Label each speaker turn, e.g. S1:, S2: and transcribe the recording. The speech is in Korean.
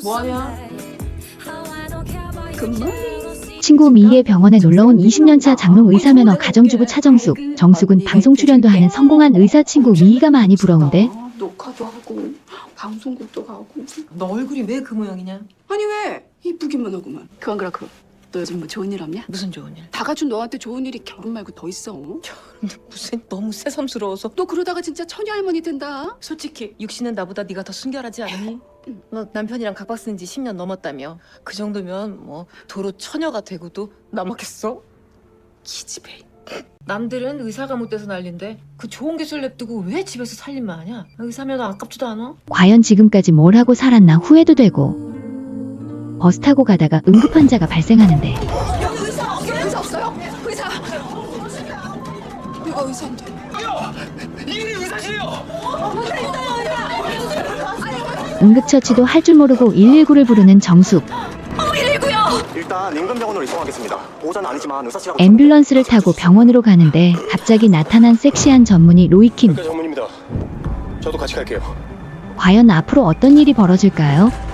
S1: 뭐하냐?
S2: 친구 미희의 병원에 놀러온 20년차 장롱 의사면허 가정주부 차정숙. 정숙은 방송 출연도 하는 성공한 의사 친구 미희가 많이 부러운데
S3: 녹화도 하고 방송국도 가고.
S1: 너 얼굴이 왜 그 모양이냐?
S3: 아니 왜? 이쁘기만 하구만. 그건 그렇고 너 요즘 뭐 좋은 일 없냐?
S1: 무슨 좋은 일?
S3: 다 갖춘 너한테 좋은 일이 결혼 말고 더 있어.
S1: 근데 무슨 너무 새삼스러워서.
S3: 너 그러다가 진짜 처녀 할머니 된다.
S1: 솔직히 육신은 나보다 네가 더 순결하지 않으니? 너 남편이랑 각박 쓴 지 10년 넘었다며. 그 정도면 뭐 도로 처녀가 되고도 남았겠어? 기집애. 남들은 의사가 못 돼서 난린데 그 좋은 기술 냅두고 왜 집에서 살림만 하냐? 의사면허 아깝지도 않아?
S2: 과연 지금까지 뭘 하고 살았나 후회도 되고 버스 타고 가다가 응급환자가 발생하는데
S3: 여기 의사 없어요? 의사. 내가 의사인데.
S2: 응급처치도 할 줄 모르고 119를 부르는 정숙.
S4: 일단 인근병원으로 이송하겠습니다. 보호자는 아니지만 의사씨라고.
S2: 앰뷸런스를 타고 병원으로 가는데 갑자기 나타난 섹시한 전문의 로이킴.
S4: 전문입니다. 저도 같이 갈게요.
S2: 과연 앞으로 어떤 일이 벌어질까요?